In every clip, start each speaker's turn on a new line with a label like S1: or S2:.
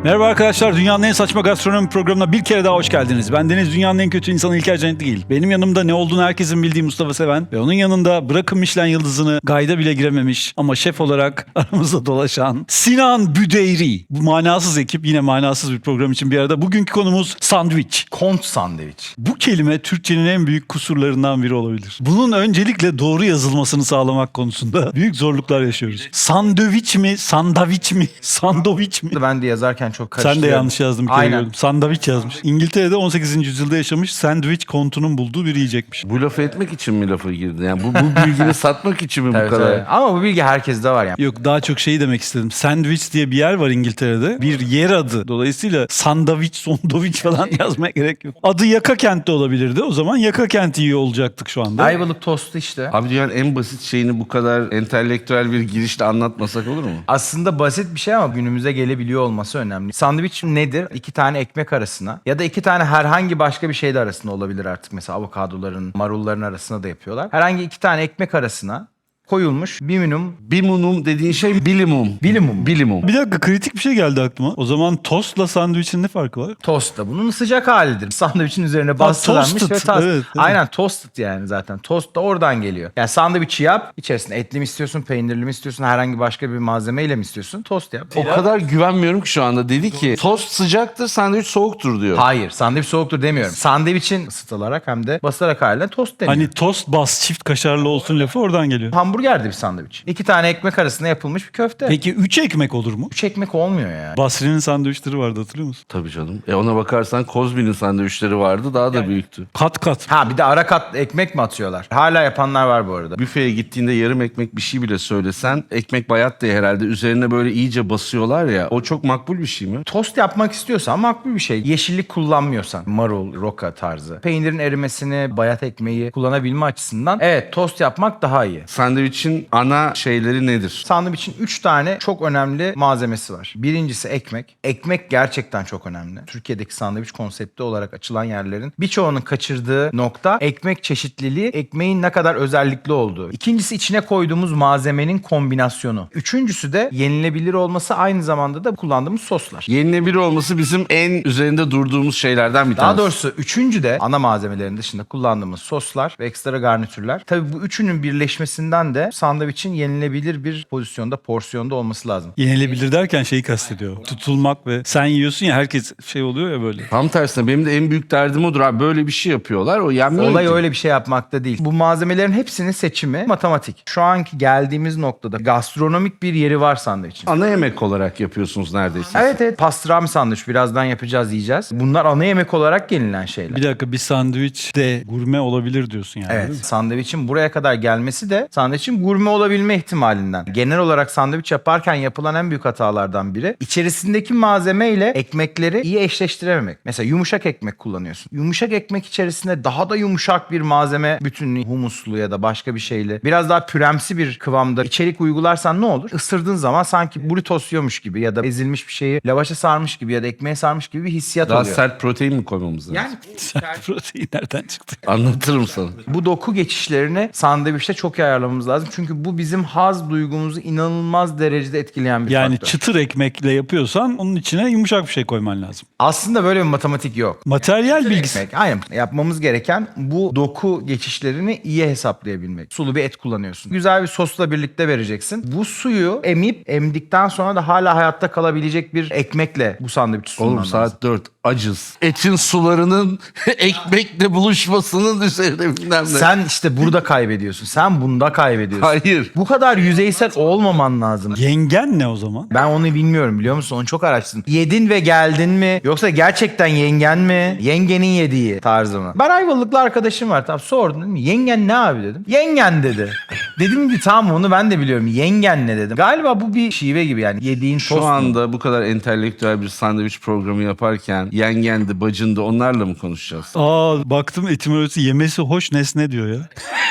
S1: Merhaba arkadaşlar, dünyanın en saçma gastronomi programına bir kere daha hoş geldiniz. Ben Deniz, dünyanın en kötü insanı İlker Cennetligil. Benim yanımda ne olduğunu herkesin bildiği Mustafa Seven ve onun yanında bırakın Michelin yıldızını gayda bile girememiş ama şef olarak aramızda dolaşan Sinan Büdeyri. Bu manasız ekip yine manasız bir program için bir arada. Bugünkü konumuz sandviç.
S2: Kont sandviç.
S1: Bu kelime Türkçenin en büyük kusurlarından biri olabilir. Bunun öncelikle doğru yazılmasını sağlamak konusunda büyük zorluklar yaşıyoruz. Sandviç mi, sandviç mi, sandviç mi?
S2: Ben de yazarken çok karıştırıyorum.
S1: Sen de yanlış yazdın bir kere
S2: Aynen.
S1: gördüm. Sandviç yazmış. İngiltere'de 18. yüzyılda yaşamış, sandviç kontunun bulduğu bir yiyecekmiş.
S3: Bu lafı etmek için mi lafa girdi? Yani bu bilgini satmak için mi
S2: Tabii,
S3: bu kadar?
S2: tabii. Ama bu bilgi herkeste var yani.
S1: Yok, daha çok şeyi demek istedim. Sandviç diye bir yer var İngiltere'de. Bir yer adı. Dolayısıyla sandviç, sondoviç falan yazmaya gerek yok. Adı Yaka Kent de olabilirdi. O zaman Yaka Kent iyi olacaktık şu anda.
S2: Ayvalık tostu işte.
S3: Abi dünyanın en basit şeyini bu kadar entelektüel bir girişle anlatmasak olur mu?
S2: Aslında basit bir şey ama günümüze gelebiliyor olması önemli. Sandviç nedir? 2 tane ekmek arasına ya da 2 tane herhangi başka bir şey de arasında olabilir artık. Mesela avokadoların, marulların arasına da yapıyorlar. Herhangi 2 tane ekmek arasına koyulmuş biminum.
S3: Bimunum dediğin şey bilimum.
S2: Bilimum.
S3: Bilimum.
S1: Bir dakika, kritik bir şey geldi aklıma. O zaman tostla sandviçin ne farkı var?
S2: Tost da bunun sıcak halidir. Sandviçin üzerine bastırılmış
S1: toasted.
S2: ve tas.
S1: Evet.
S2: Aynen toasted yani zaten. Tost da oradan geliyor. Yani sandviçi yap. İçerisinde etli mi istiyorsun, peynirli mi istiyorsun, herhangi başka bir malzemeyle mi istiyorsun? Tost yap.
S3: O kadar güvenmiyorum ki şu anda. Dedi ki tost sıcaktır, sandviç soğuktur diyor.
S2: Hayır, sandviç soğuktur demiyorum. Sandviçin ısıtılarak hem de basılarak haline tost deniyor.
S1: Hani tost bas çift kaşarlı olsun lafı oradan geliyor.
S2: Hamburgerdi bir sandviç. 2 tane ekmek arasında yapılmış bir köfte.
S1: Peki 3 ekmek olur mu?
S2: 3 ekmek olmuyor yani.
S1: Basri'nin sandviçleri vardı, hatırlıyor musun?
S3: Tabii canım. Ona bakarsan Kozmi'nin sandviçleri vardı, daha da büyüktü.
S1: Kat kat.
S2: Ha bir de ara kat ekmek mi atıyorlar? Hala yapanlar var bu arada.
S3: Büfeye gittiğinde yarım ekmek bir şey bile söylesen, ekmek bayat diye herhalde üzerine böyle iyice basıyorlar ya, o çok makbul bir şey mi?
S2: Tost yapmak istiyorsan makbul bir şey. Yeşillik kullanmıyorsan, marul, roka tarzı. Peynirin erimesini, bayat ekmeği kullanabilme açısından evet tost yapmak daha iyi.
S3: Sandviçin ana şeyleri nedir?
S2: Sandviçin 3 tane çok önemli malzemesi var. Birincisi ekmek. Ekmek gerçekten çok önemli. Türkiye'deki sandviç konsepti olarak açılan yerlerin birçoğunun kaçırdığı nokta ekmek çeşitliliği, ekmeğin ne kadar özellikli olduğu. İkincisi içine koyduğumuz malzemenin kombinasyonu. Üçüncüsü de yenilebilir olması, aynı zamanda da kullandığımız soslar.
S3: Yenilebilir olması bizim en üzerinde durduğumuz şeylerden bir
S2: Daha
S3: tanesi.
S2: doğrusu üçüncü de ana malzemelerin dışında kullandığımız soslar ve ekstra garnitürler. Tabii bu üçünün birleşmesinden de sandviçin yenilebilir bir pozisyonda, porsiyonda olması lazım.
S1: Yenilebilir derken şeyi kastediyor. Tutulmak ve sen yiyorsun ya, herkes şey oluyor ya böyle.
S3: Tam tersine benim de en büyük derdim odur abi. Böyle bir şey yapıyorlar, o yenmiyor
S2: Olay
S3: ki.
S2: öyle bir şey yapmakta değil. Bu malzemelerin hepsinin seçimi matematik. Şu anki geldiğimiz noktada gastronomik bir yeri var sandviçin.
S3: Ana yemek olarak yapıyorsunuz neredeyse.
S2: Evet evet, pastrami sandviç birazdan yapacağız, yiyeceğiz. Bunlar ana yemek olarak yenilen şeyler.
S1: Bir dakika, bir sandviç de gurme olabilir diyorsun yani.
S2: Evet,
S1: değil mi?
S2: sandviçin buraya kadar gelmesi de sandviçin gurme olabilme ihtimalinden. Genel olarak sandviç yaparken yapılan en büyük hatalardan biri, İçerisindeki malzeme ile ekmekleri iyi eşleştirememek. Mesela yumuşak ekmek kullanıyorsun. Yumuşak ekmek içerisinde daha da yumuşak bir malzeme bütünlüğü, humuslu ya da başka bir şeyle biraz daha püremsi bir kıvamda içerik uygularsan ne olur? Isırdığın zaman sanki burritos yiyormuş gibi ya da ezilmiş bir şeyi lavaşa sarmış gibi ya da ekmeğe sarmış gibi bir hissiyat
S3: Daha
S2: oluyor.
S3: sert protein mi koymamız lazım?
S2: Yani
S1: Protein nereden çıktı?
S3: Anlatırım sana.
S2: bu doku geçişlerini sandviçte çok iyi ayarlamamız lazım. Çünkü bu bizim haz duygumuzu inanılmaz derecede etkileyen bir
S1: Yani
S2: faktör.
S1: çıtır ekmekle yapıyorsan onun içine yumuşak bir şey koyman lazım.
S2: Aslında böyle bir matematik yok.
S1: Materyal bilgisi.
S2: Ekmek, aynen. Yapmamız gereken bu doku geçişlerini iyi hesaplayabilmek. Sulu bir et kullanıyorsun. Güzel bir sosla birlikte vereceksin. Bu suyu emdikten sonra da hala hayatta kalabilecek bir ekmekle bu sandviçi sunman
S3: Oğlum
S2: lazım.
S3: saat 4 acız. Etin sularının ekmekle buluşmasının üzerine bilmem ne.
S2: Sen işte burada kaybediyorsun. Sen bunda kaybediyorsun.
S3: Hayır.
S2: Bu kadar yüzeysel olmaman lazım.
S1: Yengen ne o zaman?
S2: Ben onu bilmiyorum, biliyor musun? Onu çok araştırdım. Yedin ve geldin mi? Yoksa gerçekten yengen mi? Yengenin yediği tarzı mı? Ben Ayvalıklı arkadaşım var. Tamam, sordum, dedim. Yengen ne abi dedim. Yengen dedi. Dedim ki tamam, onu ben de biliyorum. Yengen ne dedim. Galiba bu bir şive gibi yani. Yediğin tost
S3: Şu
S2: mu?
S3: anda bu kadar entelektüel bir sandviç programı yaparken yengendi, bacındı onlarla mı konuşacağız?
S1: Baktım etimolojisi yemesi hoş nesne diyor ya.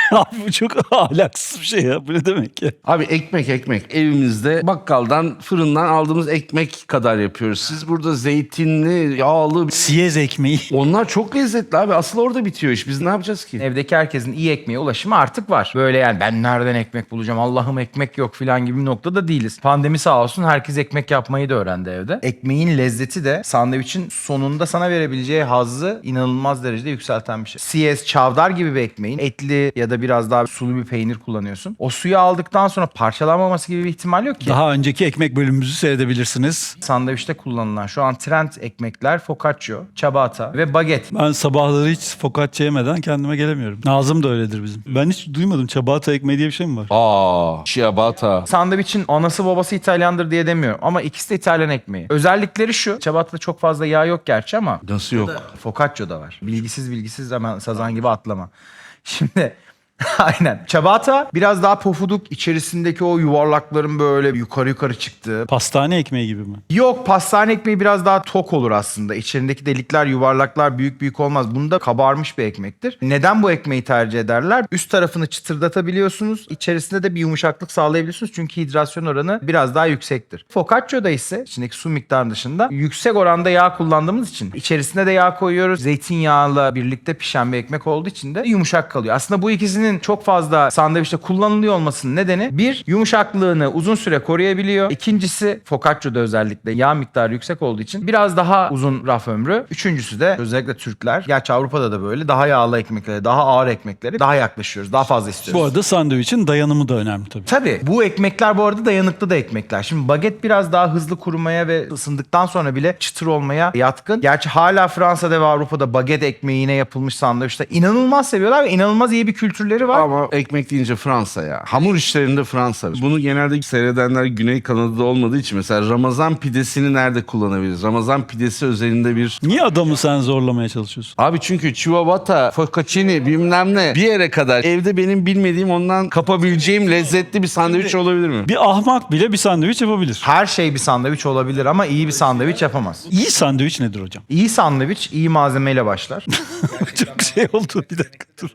S1: Abi bu çok ahlaksız bir şey ya. Bu ne demek ya?
S3: Abi ekmek evimizde bakkaldan fırından aldığımız ekmek kadar yapıyoruz. Siz burada zeytinli, yağlı
S1: Siyez ekmeği.
S3: onlar çok lezzetli abi. Asıl orada bitiyor iş. Biz ne yapacağız ki?
S2: Evdeki herkesin iyi ekmeğe ulaşımı artık var. Böyle yani ben nereden ekmek bulacağım, Allah'ım ekmek yok falan gibi bir noktada değiliz. Pandemi sağ olsun herkes ekmek yapmayı da öğrendi evde. Ekmeğin lezzeti de sandviçin sonunda sana verebileceği hazzı inanılmaz derecede yükselten bir şey. Siyez, çavdar gibi bir ekmeğin etli ya da biraz daha sulu bir peynir kullanıyorsun. O suyu aldıktan sonra parçalanmaması gibi bir ihtimal yok ki.
S1: Daha önceki ekmek bölümümüzü seyredebilirsiniz.
S2: Sandviçte kullanılan şu an trend ekmekler focaccia, ciabatta ve baget.
S1: Ben sabahları hiç focaccia yemeden kendime gelemiyorum. Nazım da öyledir bizim. Ben hiç duymadım. Ciabatta ekmeği diye bir şey mi var?
S3: Ciabatta.
S2: Sandviçin anası babası İtalyandır diye demiyorum ama ikisi de İtalyan ekmeği. Özellikleri şu. Ciabatta'da çok fazla yağ yok gerçi ama
S3: Nasıl yok?
S2: focaccia'da var. Bilgisiz hemen sazan gibi atlama. Şimdi aynen. Ciabatta biraz daha pofuduk, içerisindeki o yuvarlakların böyle yukarı çıktığı.
S1: Pastane ekmeği gibi mi?
S2: Yok, pastane ekmeği biraz daha tok olur aslında. İçerindeki delikler, yuvarlaklar büyük olmaz. Bunda kabarmış bir ekmektir. Neden bu ekmeği tercih ederler? Üst tarafını çıtırdatabiliyorsunuz. İçerisinde de bir yumuşaklık sağlayabiliyorsunuz. Çünkü hidrasyon oranı biraz daha yüksektir. Focaccia'da ise içindeki su miktarı dışında yüksek oranda yağ kullandığımız için içerisine de yağ koyuyoruz. Zeytinyağıyla birlikte pişen bir ekmek olduğu için de yumuşak kalıyor. Aslında bu ikisinin çok fazla sandviçte kullanılıyor olmasının nedeni bir, yumuşaklığını uzun süre koruyabiliyor. İkincisi, focaccia'da özellikle yağ miktarı yüksek olduğu için biraz daha uzun raf ömrü. Üçüncüsü de özellikle Türkler, gerçi Avrupa'da da böyle daha yağlı ekmeklere, daha ağır ekmeklere daha yaklaşıyoruz. Daha fazla istiyoruz.
S1: Bu arada sandviçin dayanımı da önemli tabii.
S2: Tabii bu ekmekler bu arada dayanıklı da ekmekler. Şimdi baget biraz daha hızlı kurumaya ve ısındıktan sonra bile çıtır olmaya yatkın. Gerçi hala Fransa'da ve Avrupa'da baget ekmeğine yapılmış sandviçler inanılmaz seviyorlar ve inanılmaz iyi bir kültürleri var.
S3: Ama ekmek deyince Fransa ya. Hamur işlerinde Fransa. Bunu genelde seyredenler Güney Kanada'da olmadığı için mesela Ramazan pidesini nerede kullanabiliriz? Ramazan pidesi özelinde bir...
S1: Niye adamı sen zorlamaya çalışıyorsun?
S3: Abi çünkü ciabatta, focacciani bilmem ne bir yere kadar evde benim bilmediğim ondan kapabileceğim lezzetli bir sandviç olabilir mi?
S1: Bir ahmak bile bir sandviç yapabilir.
S2: Her şey bir sandviç olabilir ama iyi bir sandviç yapamaz.
S1: İyi sandviç nedir hocam?
S2: İyi sandviç iyi malzemeyle başlar.
S1: Çok şey oldu. Bir dakika dur.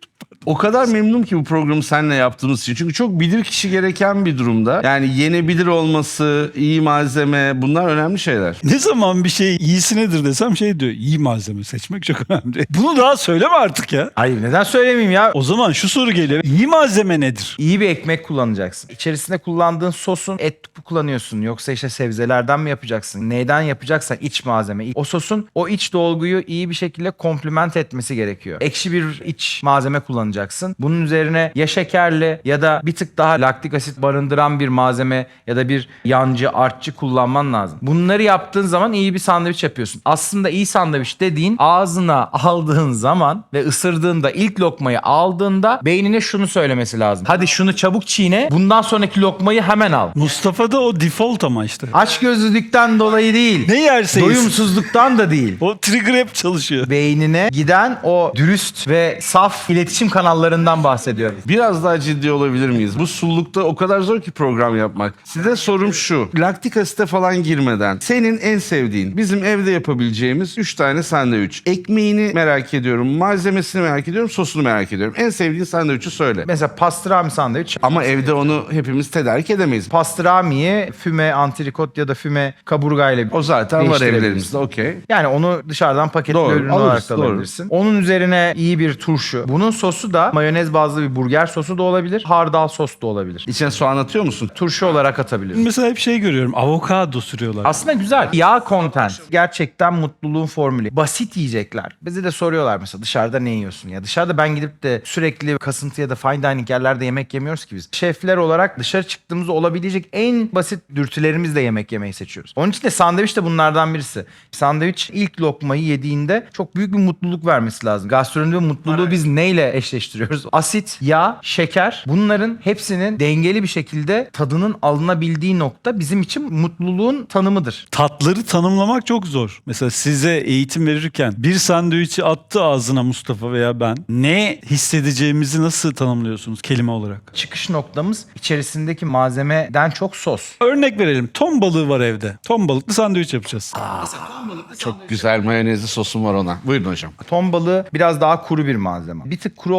S3: O kadar memnunum ki bu programı seninle yaptığımız için. Çünkü çok bilir kişi gereken bir durumda. Yani yenebilir olması, iyi malzeme bunlar önemli şeyler.
S1: Ne zaman bir şey iyisi nedir desem şey diyor. İyi malzeme seçmek çok önemli. Bunu daha söyleme artık ya.
S2: Hayır, neden söylemeyeyim ya?
S1: O zaman şu soru geliyor. İyi malzeme nedir?
S2: İyi bir ekmek kullanacaksın. İçerisinde kullandığın sosun et mi kullanıyorsun yoksa işte sebzelerden mi yapacaksın? Neyden yapacaksan iç malzeme. O sosun o iç dolguyu iyi bir şekilde komplement etmesi gerekiyor. Ekşi bir iç malzeme kullanacaksın. Bunun üzerine ya şekerli ya da bir tık daha laktik asit barındıran bir malzeme ya da bir yancı, artçı kullanman lazım. Bunları yaptığın zaman iyi bir sandviç yapıyorsun. Aslında iyi sandviç dediğin ağzına aldığın zaman ve ısırdığında ilk lokmayı aldığında beynine şunu söylemesi lazım. Hadi şunu çabuk çiğne. Bundan sonraki lokmayı hemen al.
S1: Mustafa'da o default ama işte.
S2: Açgözlülükten dolayı değil.
S1: Ne yerse yesin.
S2: Doyumsuzluktan da değil.
S1: O trigger hep çalışıyor.
S2: Beynine giden o dürüst ve saf iletişim kanallarından bahsediyorum.
S3: Biraz daha ciddi olabilir miyiz? Bu sullukta o kadar zor ki program yapmak. Size sorum şu. Laktik asite falan girmeden senin en sevdiğin, bizim evde yapabileceğimiz 3 tane sandviç. Ekmeğini merak ediyorum, malzemesini merak ediyorum, sosunu merak ediyorum. En sevdiğin sandviçi söyle.
S2: Mesela pastrami sandviç.
S3: Ama evde onu hepimiz tedarik edemeyiz.
S2: Pastramiyi füme antrikot ya da füme kaburgayla
S3: O zaten var
S2: değiştirebilirsin.
S3: evlerimizde, okey.
S2: Yani onu dışarıdan paketli
S3: Doğru,
S2: ürün
S3: alırız,
S2: olarak da
S3: doğru.
S2: alabilirsin. Onun üzerine iyi bir turşu. Bunun sosu da mayonez bazlı bir burger sosu da olabilir. Hardal sos da olabilir.
S3: İçine soğan atıyor musun?
S2: Turşu olarak atabilirsin.
S1: Mesela hep şey görüyorum. Avokado sürüyorlar.
S2: Aslında güzel. Yağ content. Gerçekten mutluluğun formülü. Basit yiyecekler. Bize de soruyorlar mesela dışarıda ne yiyorsun ya? Dışarıda ben gidip de sürekli kasıntı ya da fine dining yerlerde yemek yemiyoruz ki biz. Şefler olarak dışarı çıktığımızda olabilecek en basit dürtülerimizle yemek yemeyi seçiyoruz. Onun için de sandviç de bunlardan birisi. Sandviç ilk lokmayı yediğinde çok büyük bir mutluluk vermesi lazım. Gastronomide mutluluğu biz neyle eşleştiriyoruz? Asit, yağ, şeker, bunların hepsinin dengeli bir şekilde tadının alınabildiği nokta bizim için mutluluğun tanımıdır.
S1: Tatları tanımlamak çok zor. Mesela size eğitim verirken bir sandviçi attı ağzına Mustafa veya ben. Ne hissedeceğimizi nasıl tanımlıyorsunuz kelime olarak?
S2: Çıkış noktamız içerisindeki malzemeden çok sos.
S1: Örnek verelim. Ton balığı var evde. Ton balıklı sandviç yapacağız.
S3: Çok güzel mayonezli sosum var ona. Buyurun hocam.
S2: Ton balığı biraz daha kuru bir malzeme. Bir tık kuru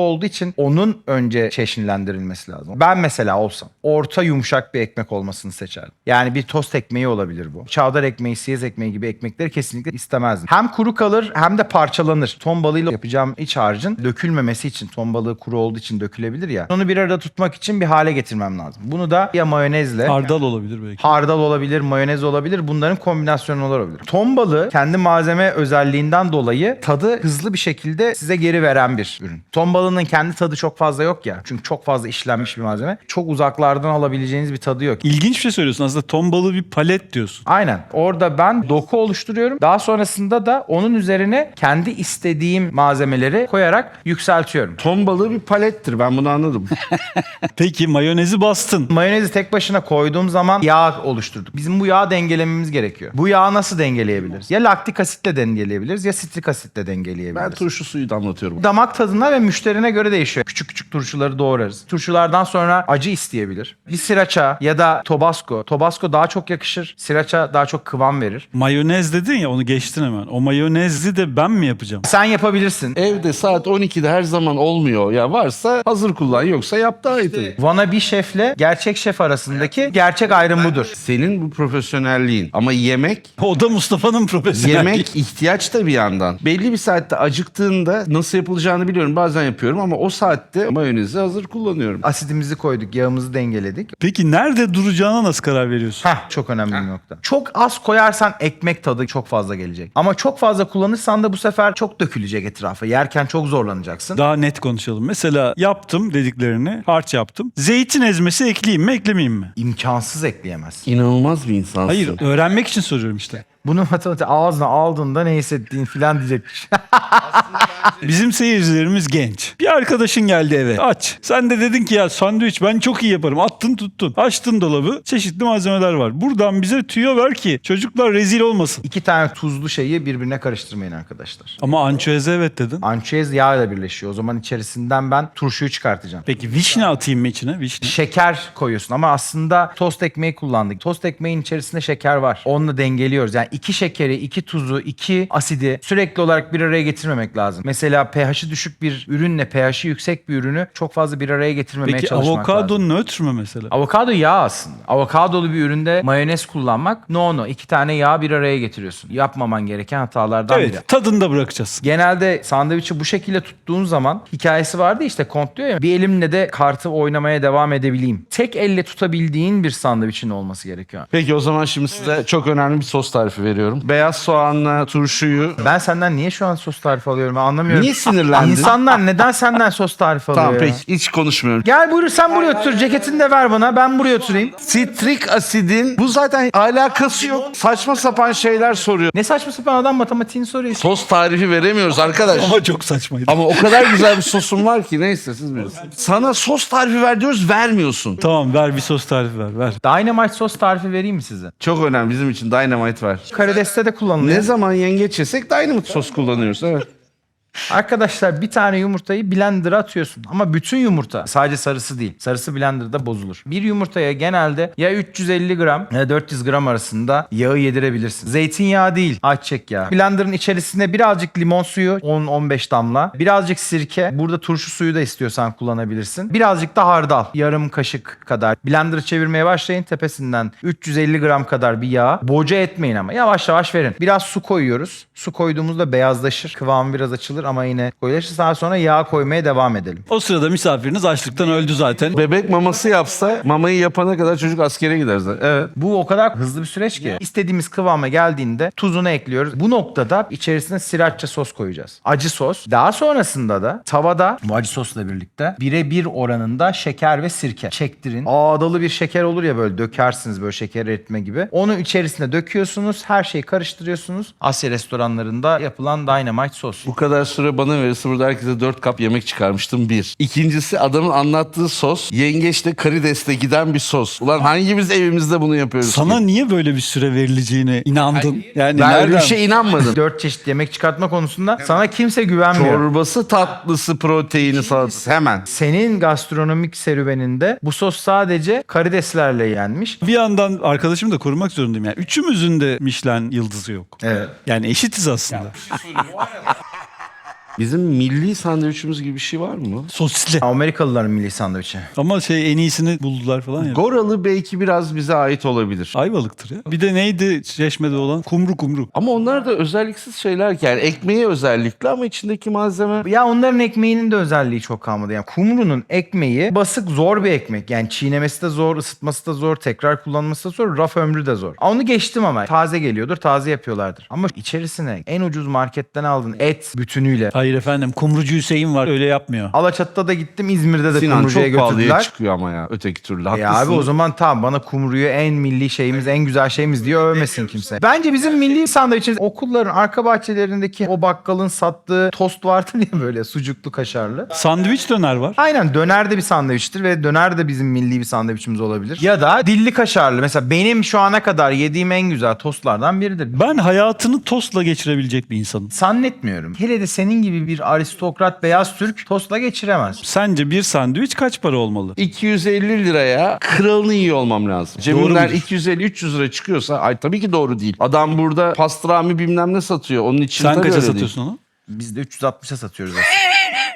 S2: olduğu için onun önce çeşnilendirilmesi lazım. Ben mesela olsam orta yumuşak bir ekmek olmasını seçerdim. Yani bir tost ekmeği olabilir bu. Çavdar ekmeği, siyez ekmeği gibi ekmekleri kesinlikle istemezdim. Hem kuru kalır hem de parçalanır. Ton balığıyla yapacağım iç harcın dökülmemesi için, ton balığı kuru olduğu için dökülebilir ya. Onu bir arada tutmak için bir hale getirmem lazım. Bunu da ya mayonezle,
S1: Hardal olabilir belki.
S2: hardal olabilir, mayonez olabilir. Bunların kombinasyonu olabilir. Ton balığı kendi malzeme özelliğinden dolayı tadı hızlı bir şekilde size geri veren bir ürün. Ton balığının kendi tadı çok fazla yok ya. Çünkü çok fazla işlenmiş bir malzeme. Çok uzaklardan alabileceğiniz bir tadı yok.
S1: İlginç bir şey söylüyorsun. Aslında ton balığı bir palet diyorsun.
S2: Aynen. Orada ben doku oluşturuyorum. Daha sonrasında da onun üzerine kendi istediğim malzemeleri koyarak yükseltiyorum.
S3: Ton balığı bir palettir. Ben bunu anladım.
S1: Peki mayonezi bastın.
S2: Mayonezi tek başına koyduğum zaman yağ oluşturduk. Bizim bu yağı dengelememiz gerekiyor. Bu yağı nasıl dengeleyebiliriz? Ya laktik asitle dengeleyebiliriz ya sitrik asitle dengeleyebiliriz.
S3: Ben turşu suyu damlatıyorum.
S2: Damak tadına ve müşterine göre değişiyor. Küçük küçük turşuları doğrarız. Turşulardan sonra acı isteyebilir. Bir sriracha ya da tabasco. Tabasco daha çok yakışır. Sriracha daha çok kıvam verir.
S1: Mayonez dedin ya, onu geçtin hemen. O mayonezi de ben mi yapacağım?
S2: Sen yapabilirsin.
S3: Evde saat 12'de her zaman olmuyor. Ya varsa hazır kullan, yoksa yap daha iyi tabii.
S2: Wannabe şefle gerçek şef arasındaki gerçek ayrım budur.
S3: Senin bu profesyonelliğin ama yemek
S1: O da Mustafa'nın profesyonelliği.
S3: yemek ihtiyaç da bir yandan. Belli bir saatte acıktığında nasıl yapılacağını biliyorum. Bazen yapıyorum ama o saatte mayonezi hazır kullanıyorum.
S2: Asidimizi koyduk, yağımızı dengeledik.
S1: Peki nerede duracağına nasıl karar veriyorsun?
S2: Çok önemli bir nokta. Çok az koyarsan ekmek tadı çok fazla gelecek. Ama çok fazla kullanırsan da bu sefer çok dökülecek etrafa. Yerken çok zorlanacaksın.
S1: Daha net konuşalım. Mesela yaptım dediklerini, harç yaptım. Zeytin ezmesi ekleyeyim mi, eklemeyeyim mi?
S2: İmkansız ekleyemezsin.
S3: İnanılmaz bir insansın.
S1: Hayır, öğrenmek için soruyorum işte.
S2: Bunu matematik ağzına aldığında ne hissettiğin filan diyecekmiş.
S1: Bizim seyircilerimiz genç. Bir arkadaşın geldi eve. Aç. Sen de dedin ki ya sandviç ben çok iyi yaparım. Attın tuttun. Açtın dolabı. Çeşitli malzemeler var. Buradan bize tüyo ver ki çocuklar rezil olmasın.
S2: 2 tane tuzlu şeyi birbirine karıştırmayın arkadaşlar.
S1: Ama ançüeze evet dedin.
S2: Ançüez yağ ile birleşiyor. O zaman içerisinden ben turşuyu çıkartacağım.
S1: Peki vişne atayım mı içine? Vişne.
S2: Şeker koyuyorsun ama aslında tost ekmeği kullandık. Tost ekmeğin içerisinde şeker var. Onunla dengeliyoruz. Yani 2 şekeri, 2 tuzu, 2 asidi sürekli olarak bir araya getirmemek lazım. Mesela pH'i düşük bir ürünle pH'i yüksek bir ürünü çok fazla bir araya getirmemeye
S1: Peki
S2: çalışmak
S1: avokado
S2: lazım.
S1: nötr mü mesela?
S2: Avokado yağ aslında. Avokadolu bir üründe mayonez kullanmak no. 2 tane yağ bir araya getiriyorsun. Yapmaman gereken hatalardan biri.
S1: Evet, tadını da bırakacağız.
S2: Genelde sandviçi bu şekilde tuttuğun zaman hikayesi vardı işte, Kont diyor ya, bir elimle de kartı oynamaya devam edebileyim. Tek elle tutabildiğin bir sandviçin olması gerekiyor.
S3: Peki o zaman şimdi size çok önemli bir sos tarifi veriyorum. Beyaz soğanla turşuyu...
S2: Ben senden niye şu an sos tarifi alıyorum, ben anlamıyorum.
S3: Niye sinirlendin?
S2: İnsanlar neden senden sos tarifi alıyor
S3: Tamam
S2: ya?
S3: peki, hiç konuşmuyorum.
S2: Gel buyur, sen buraya otur. Ceketini de ver bana, ben buraya oturayım.
S3: Sitrik asidin bu zaten alakası yok. Saçma sapan şeyler soruyor.
S2: Ne saçma sapan adam matematiğini soruyor.
S3: Sos tarifi veremiyoruz arkadaş.
S1: Ama çok saçmaydı.
S3: Ama o kadar güzel bir sosum var ki, neyse siz bilirsiniz. Sana sos tarifi ver diyoruz, vermiyorsun.
S1: Tamam, ver bir sos tarifi ver.
S2: Dynamite sos tarifi vereyim mi size?
S3: Çok önemli, bizim için Dynamite var.
S2: Karides'te de kullanılıyor.
S3: Ne zaman yengeç yesek Dynamite sos kullanıyoruz, evet.
S2: Arkadaşlar, bir tane yumurtayı blender'a atıyorsun. Ama bütün yumurta, sadece sarısı değil. Sarısı blender'da bozulur. Bir yumurtaya genelde ya 350 gram ya 400 gram arasında yağı yedirebilirsin. Zeytinyağı değil, ayçiçek yağı. Blender'ın içerisine birazcık limon suyu, 10-15 damla. Birazcık sirke. Burada turşu suyu da istiyorsan kullanabilirsin. Birazcık da hardal. Yarım kaşık kadar. Blender'ı çevirmeye başlayın. Tepesinden 350 gram kadar bir yağ. Boca etmeyin ama. Yavaş yavaş verin. Biraz su koyuyoruz. Su koyduğumuzda beyazlaşır. Kıvamı biraz açılır ama yine koyulaşır. Daha sonra yağ koymaya devam edelim.
S1: O sırada misafiriniz açlıktan öldü zaten.
S3: Bebek maması yapsa mamayı yapana kadar çocuk askere gider zaten. Evet.
S2: Bu o kadar hızlı bir süreç ki. İstediğimiz kıvama geldiğinde tuzunu ekliyoruz. Bu noktada içerisine sriracha sos koyacağız. Acı sos. Daha sonrasında da tavada bu acı sosla birlikte 1'e 1 oranında şeker ve sirke çektirin. Ağdalı bir şeker olur ya, böyle dökersiniz, böyle şeker eritme gibi. Onu içerisine döküyorsunuz. Her şeyi karıştırıyorsunuz. Asya restoranlarında yapılan Dynamite sos.
S3: Bu kadar süre bana verirse burada herkese 4 kap yemek çıkarmıştım, bir. İkincisi, adamın anlattığı sos yengeçle karidesle giden bir sos. Ulan hangimiz evimizde bunu yapıyoruz
S1: Sana
S3: ki?
S1: niye böyle bir süre verileceğine inandın? Yani
S3: Ben öyle
S1: nereden?
S3: bir şeye inanmadım.
S2: 4 çeşit yemek çıkartma konusunda sana kimse güvenmiyor.
S3: Çorbası, tatlısı, proteini, salatası hemen.
S2: Senin gastronomik serüveninde bu sos sadece karideslerle yenmiş.
S1: Bir yandan arkadaşımı da korumak zorundayım. Yani üçümüzün de Michelin yıldızı yok.
S2: Evet.
S1: Yani eşitiz aslında.
S3: Bizim milli sandviçimiz gibi bir şey var mı?
S1: Sosisli.
S2: Amerikalıların milli sandviçi.
S1: Ama en iyisini buldular falan ya.
S3: Goralı belki biraz bize ait olabilir.
S1: Ayvalık'tır ya. Bir de neydi Çeşme'de olan? Kumru.
S3: Ama onlar da özelliksiz şeyler ki. Yani ekmeği özellikli ama içindeki malzeme...
S2: Ya onların ekmeğinin de özelliği çok kalmadı. Yani kumrunun ekmeği basık, zor bir ekmek. Yani çiğnemesi de zor, ısıtması da zor, tekrar kullanması da zor, raf ömrü de zor. Onu geçtim ama. Taze geliyordur, taze yapıyorlardır. Ama içerisine en ucuz marketten aldığın et bütünüyle.
S1: Hayır efendim, Kumrucu Hüseyin var, öyle yapmıyor.
S2: Alaçatı'da da gittim, İzmir'de de
S3: Sinan
S2: kumrucuya
S3: çok pahalıya
S2: götürdüler.
S3: çıkıyor ama ya öteki türlü.
S2: Ya
S3: Haklısın.
S2: abi o zaman tamam, bana kumruyu en milli şeyimiz, en güzel şeyimiz diye övmesin kimse. Bence bizim milli sandviçimiz okulların arka bahçelerindeki o bakkalın sattığı tost vardır ya, böyle sucuklu kaşarlı.
S1: Sandviç döner var.
S2: Aynen, döner de bir sandviçtir ve döner de bizim milli bir sandviçimiz olabilir. Ya da dilli kaşarlı. Mesela benim şu ana kadar yediğim en güzel tostlardan biridir.
S1: Ben hayatını tostla geçirebilecek bir insanım.
S2: Zannetmiyorum. Hele de senin gibi bir aristokrat beyaz Türk tostla geçiremez.
S1: Sence bir sandviç kaç para olmalı?
S3: 250 liraya kralını yiyor olmam lazım.
S1: Doğru
S3: Cebimden
S1: mudur?
S3: 250-300 lira çıkıyorsa ay tabii ki doğru değil. Adam burada pastrami bilmem ne satıyor. Onun için
S1: Sen
S3: tabii
S1: kaça
S3: öyle
S1: satıyorsun onu?
S2: Biz de 360'a satıyoruz aslında.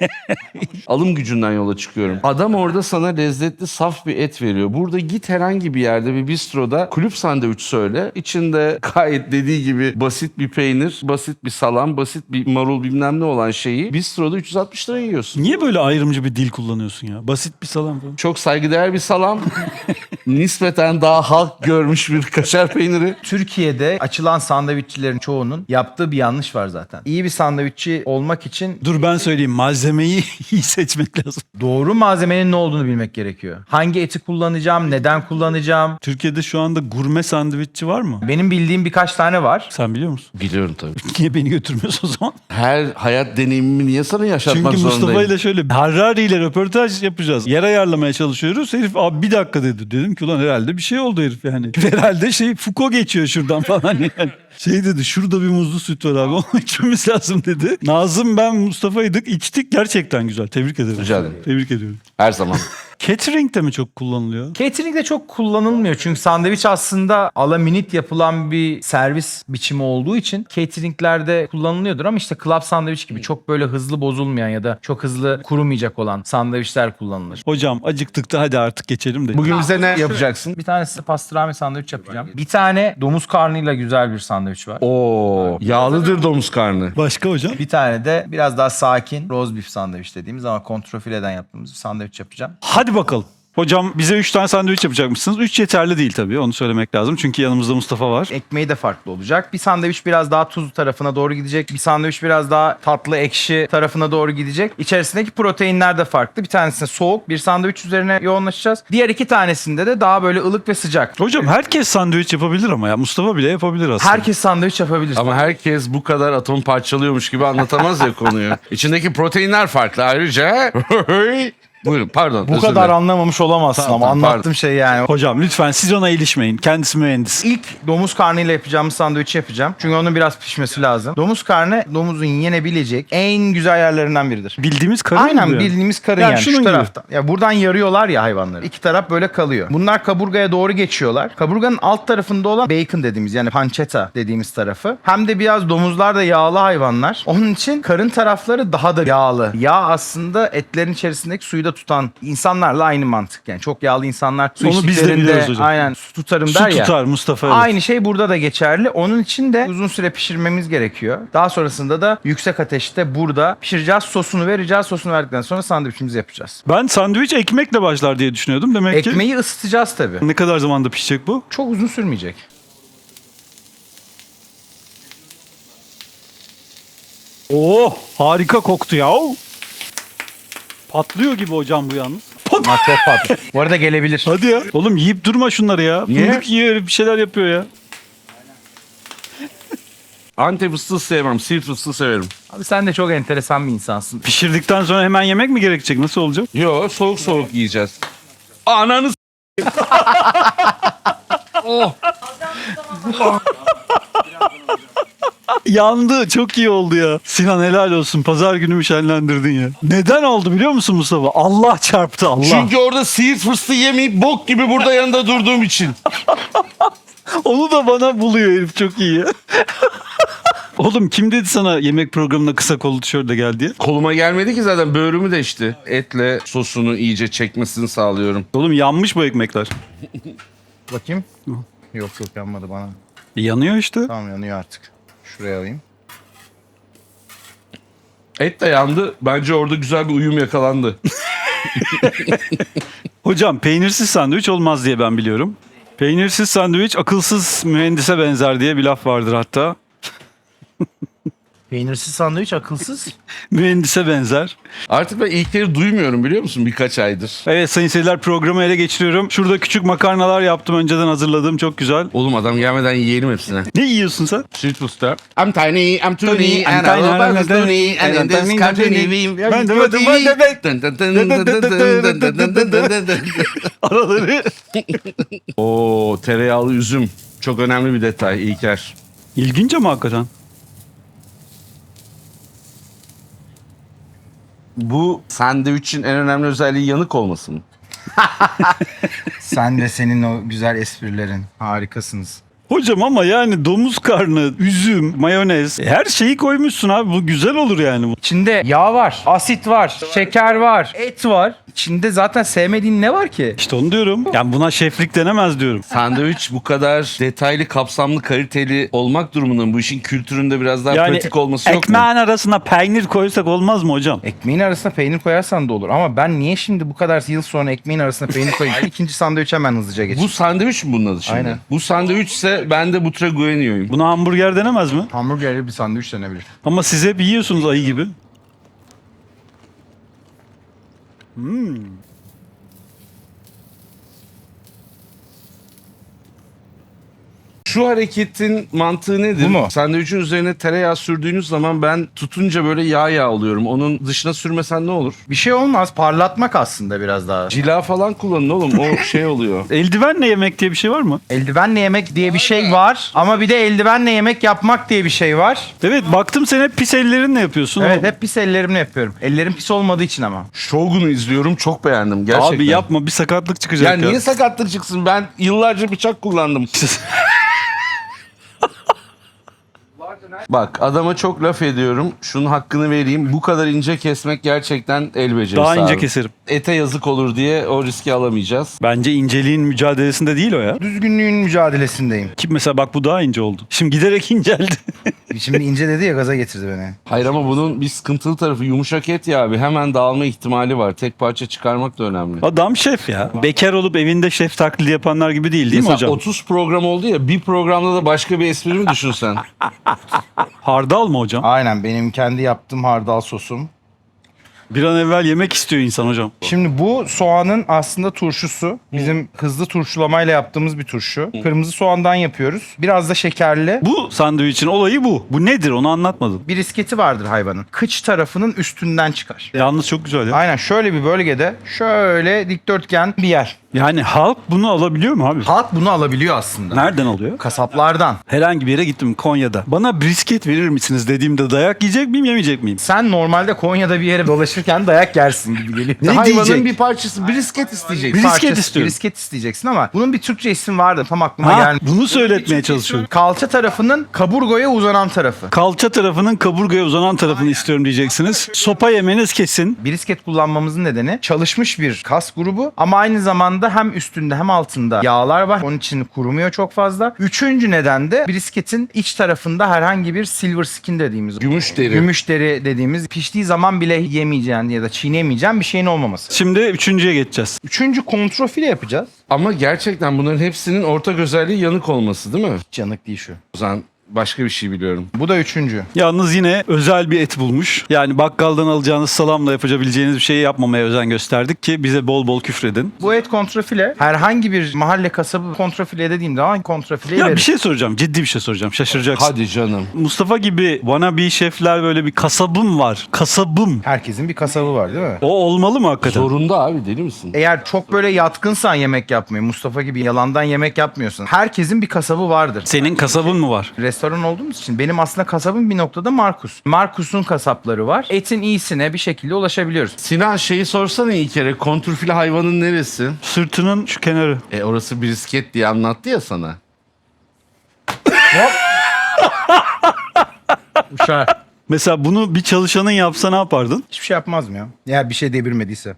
S3: Alım gücünden yola çıkıyorum. Adam orada sana lezzetli saf bir et veriyor. Burada git herhangi bir yerde bir bistroda kulüp sandviç söyle. İçinde gayet dediği gibi basit bir peynir, basit bir salam, basit bir marul bilmem ne olan şeyi bistroda 360 lira yiyorsun.
S1: Niye böyle ayrımcı bir dil kullanıyorsun ya? Basit bir salam falan.
S3: Çok saygıdeğer bir salam. Nispeten daha halk görmüş bir kaşar peyniri.
S2: Türkiye'de açılan sandviççilerin çoğunun yaptığı bir yanlış var zaten. İyi bir sandviççi olmak için
S1: Dur ben söyleyeyim, malzemeyi iyi seçmek lazım.
S2: doğru malzemenin ne olduğunu bilmek gerekiyor. Hangi eti kullanacağım, neden kullanacağım.
S1: Türkiye'de şu anda gurme sandviççi var mı?
S2: Benim bildiğim birkaç tane var.
S1: Sen biliyor musun?
S3: Biliyorum tabii.
S1: Niye beni götürmüyorsun o zaman?
S3: Her hayat deneyimimi niye sana yaşatmak
S1: Çünkü
S3: zorundayım?
S1: Mustafa ile şöyle Harari ile röportaj yapacağız. Yer ayarlamaya çalışıyoruz. Herif abi bir dakika dedi. Dedim ki ulan herhalde bir şey oldu herif yani. Herhalde Foucault geçiyor şuradan falan yani. Şey dedi, şurada bir muzlu süt var abi, onu içmemiz lazım dedi. Nazım, ben, Mustafa'ydık, içtik, gerçekten güzel. Tebrik ederim.
S3: Rica ederim.
S1: Tebrik ediyorum.
S3: Her zaman.
S1: Catering'de mi çok kullanılıyor?
S2: Catering'de çok kullanılmıyor çünkü sandviç aslında a la minute yapılan bir servis biçimi olduğu için catering'lerde kullanılıyordur ama işte club sandviç gibi çok böyle hızlı bozulmayan ya da çok hızlı kurumayacak olan sandviçler kullanılır.
S1: Hocam acıktık da hadi artık geçelim de.
S3: Bugün bize ne yapacaksın?
S2: Bir tane size pastrami sandviç yapacağım. Bir tane domuz karnıyla güzel bir sandviç var.
S3: Oo, yağlıdır domuz karnı.
S1: Başka hocam?
S2: Bir tane de biraz daha sakin roast beef sandviç dediğimiz ama kontrafileden yaptığımız bir sandviç yapacağım.
S1: Hadi bakalım. Hocam bize 3 tane sandviç yapacakmışsınız. 3 yeterli değil tabii, onu söylemek lazım. Çünkü yanımızda Mustafa var.
S2: Ekmeği de farklı olacak. Bir sandviç biraz daha tuzlu tarafına doğru gidecek. Bir sandviç biraz daha tatlı ekşi tarafına doğru gidecek. İçerisindeki proteinler de farklı. Bir tanesinde soğuk bir sandviç üzerine yoğunlaşacağız. Diğer iki tanesinde de daha böyle ılık ve sıcak.
S1: Hocam herkes sandviç yapabilir ama ya. Mustafa bile yapabilir aslında.
S2: Herkes sandviç yapabilir.
S3: Ama herkes bu kadar atom parçalıyormuş gibi anlatamaz ya konuyu. İçindeki proteinler farklı ayrıca. Buyurun pardon.
S2: bu
S3: özür
S2: kadar
S3: dilerim.
S2: anlamamış olamazsın
S3: Tamam,
S2: ama
S3: tamam,
S2: anlattığım şey yani.
S1: Hocam lütfen siz ona ilişmeyin. Kendisi mühendis.
S2: İlk domuz karnıyla yapacağımız sandviçi yapacağım. Çünkü onun biraz pişmesi lazım. Domuz karnı domuzun yenebilecek en güzel yerlerinden biridir.
S1: Bildiğimiz karın
S2: Aynen
S1: mı bu yani?
S2: bildiğimiz karın
S1: Yani
S2: yani
S1: şunun
S2: şu
S1: gibi.
S2: taraftan. Ya buradan yarıyorlar ya hayvanları. İki taraf böyle kalıyor. Bunlar kaburgaya doğru geçiyorlar. Kaburganın alt tarafında olan bacon dediğimiz yani pancetta dediğimiz tarafı. Hem de biraz domuzlar da yağlı hayvanlar. Onun için karın tarafları daha da yağlı. Yağ aslında etlerin içerisindeki suyu da tutan insanlarla aynı mantık. Yani çok yağlı insanlar su
S1: Onu biz de
S2: içtiklerinde
S1: biliyoruz hocam.
S2: aynen su tutarım
S1: Su
S2: der ya.
S1: tutar Mustafa. evet.
S2: Aynı şey burada da geçerli. Onun için de uzun süre pişirmemiz gerekiyor. Daha sonrasında da yüksek ateşte burada pişireceğiz. Sosunu vereceğiz. Sosunu verdikten sonra sandviçimizi yapacağız.
S1: Ben sandviç ekmekle başlar diye düşünüyordum. Demek ki
S2: Ekmeği ısıtacağız tabii.
S1: ne kadar zamanda pişecek bu?
S2: Çok uzun sürmeyecek.
S1: Oh, harika koktu ya. Patlıyor gibi hocam bu yalnız.
S2: Ama çok tatlı. Bu arada gelebilir.
S1: Hadi ya. Oğlum yiyip durma şunları ya.
S3: Niye?
S1: Fındık yiyor, bir şeyler yapıyor ya.
S3: Antep fıstığı sevmem. Siirt fıstığı severim.
S2: Abi sen de çok enteresan bir insansın.
S1: Pişirdikten sonra hemen yemek mi gerekecek? Nasıl olacak?
S3: Yo soğuk soğuk yiyeceğiz. Ananı oh.
S1: Yandı. Çok iyi oldu ya. Sinan helal olsun. Pazar günümü şenlendirdin ya. Neden oldu biliyor musun Mustafa? Allah çarptı Allah.
S3: Çünkü orada siirt fıstığı yemeyip bok gibi burada yanında durduğum için.
S1: Onu da bana buluyor herif, çok iyi ya. Oğlum kim dedi sana yemek programına kısa kollu tişörtle gel diye?
S3: Koluma gelmedi ki zaten, böğrümü deşti. Etle sosunu iyice çekmesini sağlıyorum.
S1: Oğlum yanmış bu ekmekler.
S2: Bakayım. Yok yanmadı bana.
S1: Yanıyor işte.
S2: Tamam yanıyor artık. Şuraya alayım.
S3: Et de yandı. Bence orada güzel bir uyum yakalandı.
S1: Hocam peynirsiz sandviç olmaz diye ben biliyorum. Peynirsiz sandviç akılsız mühendise benzer diye bir laf vardır hatta.
S2: Peynirsiz sandviç akılsız.
S1: Mühendise benzer.
S3: Artık ben İlker'i duymuyorum, biliyor musun, birkaç aydır.
S1: Evet sayın seyirciler, programı ele geçiriyorum. Şurada küçük makarnalar yaptım, önceden hazırladığım, çok güzel.
S3: Oğlum adam gelmeden yiyelim hepsine.
S1: Ne yiyorsun sen?
S3: Sweet Usta. I'm tiny, I'm
S1: Tony,
S3: toony,
S1: I'm
S3: and
S1: tiny,
S3: I love
S1: I'm
S3: my
S1: tiny,
S3: toony, and in this country
S1: Ben de- Araları.
S3: Oo, tereyağlı üzüm. Çok önemli bir detay İlker.
S1: İlginç ama hakikaten.
S3: Bu sandviçin en önemli özelliği yanık olması mı?
S2: Sen de senin o güzel esprilerin. Harikasınız.
S1: Hocam ama yani domuz karnı, üzüm, mayonez, her şeyi koymuşsun abi. Bu güzel olur yani.
S2: İçinde yağ var, asit var, şeker var, et var. İçinde zaten sevmediğin ne var ki?
S1: İşte onu diyorum. Yani buna şeflik denemez diyorum.
S3: Sandviç bu kadar detaylı, kapsamlı, kaliteli olmak durumunda bu işin kültüründe biraz daha
S1: Yani
S3: pratik olması yok mu?
S1: ekmeğin arasına peynir koysak olmaz mı hocam?
S2: Ekmeğin arasına peynir koyarsan da olur. Ama ben niye şimdi bu kadar yıl sonra ekmeğin arasına peynir koyayım? İkinci sandviçe hemen hızlıca geçeyim.
S3: Bu sandviç mi bunun adı şimdi?
S2: Aynen.
S3: Bu sandviçse ben de Butragueño'yum.
S1: Buna hamburger denemez mi?
S2: Hamburgerli bir sandviç denebilir.
S1: Ama siz hep yiyorsunuz ayı gibi.
S3: Şu hareketin mantığı nedir?
S2: Bu mu?
S3: Sandviçin üzerine tereyağı sürdüğünüz zaman ben tutunca böyle yağ alıyorum. Onun dışına sürmesen ne olur?
S2: Bir şey olmaz. Parlatmak aslında biraz daha.
S3: Cila falan kullanın oğlum. O şey oluyor.
S1: Eldivenle yemek diye bir şey var mı?
S2: Eldivenle yemek diye bir şey var. Ama bir de eldivenle yemek yapmak diye bir şey var.
S1: Evet, baktım sen hep pis ellerinle yapıyorsun.
S2: Evet hep pis ellerimle yapıyorum. Ellerim pis olmadığı için ama.
S3: Shogun'u izliyorum. Çok beğendim gerçekten.
S1: Abi yapma, bir sakatlık çıkacak
S3: Ya
S1: ya.
S3: niye sakatlık çıksın? Ben yıllarca bıçak kullandım. Bak adama çok laf ediyorum. Şunun hakkını vereyim. Bu kadar ince kesmek gerçekten el becerisi
S1: Daha ince
S3: abi.
S1: keserim.
S3: Ete yazık olur diye o riski alamayacağız.
S1: Bence inceliğin mücadelesinde değil o ya.
S2: Düzgünlüğün mücadelesindeyim.
S1: Ki mesela bak bu daha ince oldu. Şimdi giderek inceldi.
S2: Şimdi ince dedi ya gaza getirdi beni.
S3: Hayır ama bunun bir sıkıntılı tarafı yumuşak et ya abi. Hemen dağılma ihtimali var. Tek parça çıkarmak da önemli.
S1: Adam şef ya. Bekar olup evinde şef taklidi yapanlar gibi değil mi
S3: Mesela
S1: hocam?
S3: 30 program oldu ya, bir programda da başka bir espri mi düşünsen?
S1: Hardal mı hocam?
S2: Aynen benim kendi yaptığım hardal sosum.
S1: Bir an evvel yemek istiyor insan hocam.
S2: Şimdi bu soğanın aslında turşusu. Bizim hızlı turşulamayla yaptığımız bir turşu. Kırmızı soğandan yapıyoruz. Biraz da şekerli.
S1: Bu sandviçin olayı bu. Bu nedir, onu anlatmadın.
S2: Bir isketi vardır hayvanın. Kıç tarafının üstünden çıkar.
S1: Yalnız çok güzel ya.
S2: Aynen şöyle bir bölgede şöyle dikdörtgen bir yer.
S1: Yani halk bunu alabiliyor mu abi?
S2: Halk bunu alabiliyor aslında.
S1: Nereden alıyor?
S2: Kasaplardan.
S1: Herhangi bir yere gittim Konya'da. Bana brisket verir misiniz dediğimde dayak yiyecek miyim, yemeyecek miyim?
S2: Sen normalde Konya'da bir yere dolaşırken dayak yersin gibi geliyor.
S1: Ne
S3: Hayvanın
S1: diyecek?
S3: bir parçası brisket isteyecek.
S1: Brisket
S2: Parçası,
S1: istiyorum.
S2: Brisket isteyeceksin ama bunun bir Türkçe isim vardı. Tam aklıma
S1: Ha,
S2: gelmedi.
S1: bunu söyletmeye çalışıyorum.
S2: Kalça tarafının kaburgoya uzanan tarafı.
S1: Kalça tarafının kaburgaya uzanan tarafını istiyorum diyeceksiniz. Sopa yemeniz kesin.
S2: Brisket kullanmamızın nedeni çalışmış bir kas grubu ama aynı zamanda hem üstünde hem altında yağlar var. Onun için kurumuyor çok fazla. Üçüncü neden de brisketin iç tarafında herhangi bir silver skin dediğimiz,
S3: Gümüş deri.
S2: gümüş deri dediğimiz piştiği zaman bile yemeyeceğin ya da çiğnemeyeceğin bir şeyin olmaması.
S1: Şimdi üçüncüye geçeceğiz.
S2: Üçüncü kontrofile yapacağız.
S3: Ama gerçekten bunların hepsinin ortak özelliği yanık olması değil mi?
S2: Canık değil şu.
S3: O zaman başka bir şey biliyorum.
S2: Bu da üçüncü.
S1: Yalnız yine özel bir et bulmuş. Yani bakkaldan alacağınız salamla yapabileceğiniz bir şeyi yapmamaya özen gösterdik ki bize bol bol küfredin.
S2: Bu et kontrafile herhangi bir mahalle kasabı kontrafile dediğim zaman kontrafileyi
S1: Ya
S2: verir.
S1: bir şey soracağım. Ciddi bir şey soracağım. Şaşıracaksın.
S3: Hadi canım.
S1: Mustafa gibi wannabe şefler böyle bir kasabım var. Kasabım.
S2: Herkesin bir kasabı var değil mi?
S1: O olmalı mı hakikaten?
S3: Zorunda abi, deli misin?
S2: Eğer çok böyle yatkınsan yemek yapmaya, Mustafa gibi yalandan yemek yapmıyorsun. Herkesin bir kasabı vardır.
S1: Senin kasabın mı var?
S2: Restoran olduğumuz için benim aslında kasabım bir noktada Markus. Markus'un kasapları var. Etin iyisine bir şekilde ulaşabiliyoruz.
S3: Sinan şeyi sorsana iyi kere. Kontrfile hayvanın neresi?
S1: Sırtının şu kenarı.
S3: Orası brisket diye anlattı ya sana.
S2: Uçar.
S1: Mesela bunu bir çalışanın yapsa ne yapardın?
S2: Hiçbir şey yapmazdım ya. Eğer bir şey devirmediyse.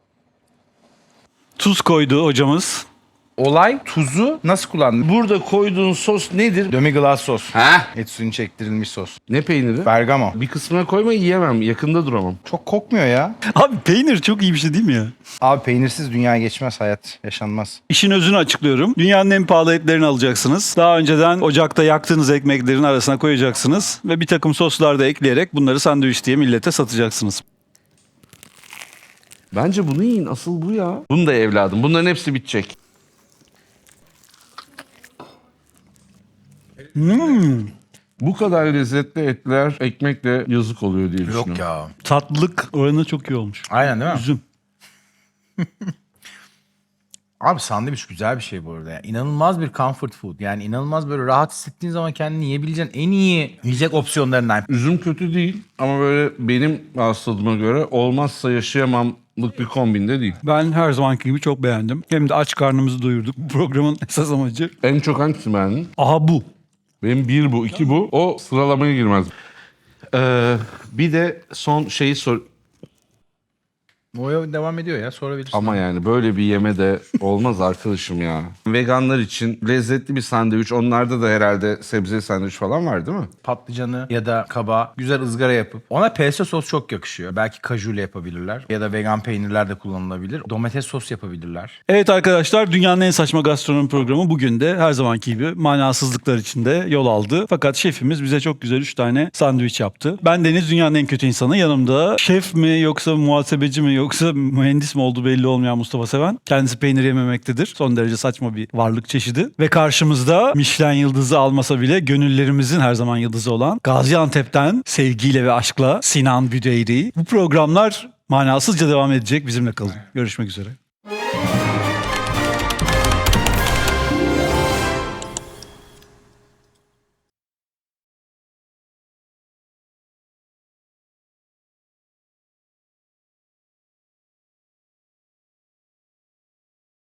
S1: Tuz koydu hocamız.
S2: Olay tuzu nasıl kullandın?
S3: Burada koyduğun sos nedir?
S2: Demi-glace sos.
S3: Ha?
S2: Et suyunu çektirilmiş sos.
S3: Ne peyniri?
S2: Bergamo.
S3: Bir kısmına koyma, yiyemem. Yakında duramam.
S2: Çok kokmuyor ya.
S1: Abi peynir çok iyi bir şey değil mi ya?
S2: Abi peynirsiz dünya geçmez, hayat yaşanmaz.
S1: İşin özünü açıklıyorum. Dünyanın en pahalı etlerini alacaksınız. Daha önceden ocakta yaktığınız ekmeklerin arasına koyacaksınız. Ve bir takım soslar da ekleyerek bunları sandviç diye millete satacaksınız.
S3: Bence bunu yiyin. Asıl bu ya. Bunu da evladım. Bunların hepsi bitecek. Bu kadar lezzetli etler ekmekle yazık oluyor diye düşünüyorum.
S2: Yok ya.
S1: Tatlılık oranı çok iyi olmuş.
S2: Aynen değil mi?
S1: Üzüm.
S2: Abi sandviç güzel bir şey bu arada. Yani inanılmaz bir comfort food. Yani inanılmaz böyle rahat hissettiğin zaman kendini yiyebileceğin en iyi yiyecek opsiyonlarından.
S3: Üzüm kötü değil ama böyle benim hastalığıma göre olmazsa yaşayamamlık bir kombinde değil.
S1: Ben her zamanki gibi çok beğendim. Hem de aç karnımızı doyurduk. Bu programın esas amacı.
S3: En çok hangisi beğendin?
S1: Aha bu.
S3: Benim 1 bu, 2 bu. O sıralamaya girmez. Bir de son şeyi sor...
S2: O devam ediyor ya, sorabilirsin.
S3: Ama yani böyle bir yeme de olmaz arkadaşım ya. Veganlar için lezzetli bir sandviç. Onlarda da herhalde sebze sandviç falan var değil mi?
S2: Patlıcanı ya da kabağı güzel ızgara yapıp ona pesto sos çok yakışıyor. Belki kajuyla yapabilirler ya da vegan peynirler de kullanılabilir. Domates sos yapabilirler.
S1: Evet arkadaşlar, dünyanın en saçma gastronomi programı bugün de her zamanki gibi manasızlıklar içinde yol aldı. Fakat şefimiz bize çok güzel 3 tane sandviç yaptı. Ben Deniz, dünyanın en kötü insanı. Yanımda şef mi yoksa muhasebeci mi yoksa mühendis mi olduğu belli olmayan Mustafa Seven. Kendisi peynir yememektedir. Son derece saçma bir varlık çeşidi. Ve karşımızda Michelin yıldızı almasa bile gönüllerimizin her zaman yıldızı olan Gaziantep'ten sevgiyle ve aşkla Sinan Büdeyri. Bu programlar manasızca devam edecek. Bizimle kalın. Görüşmek üzere.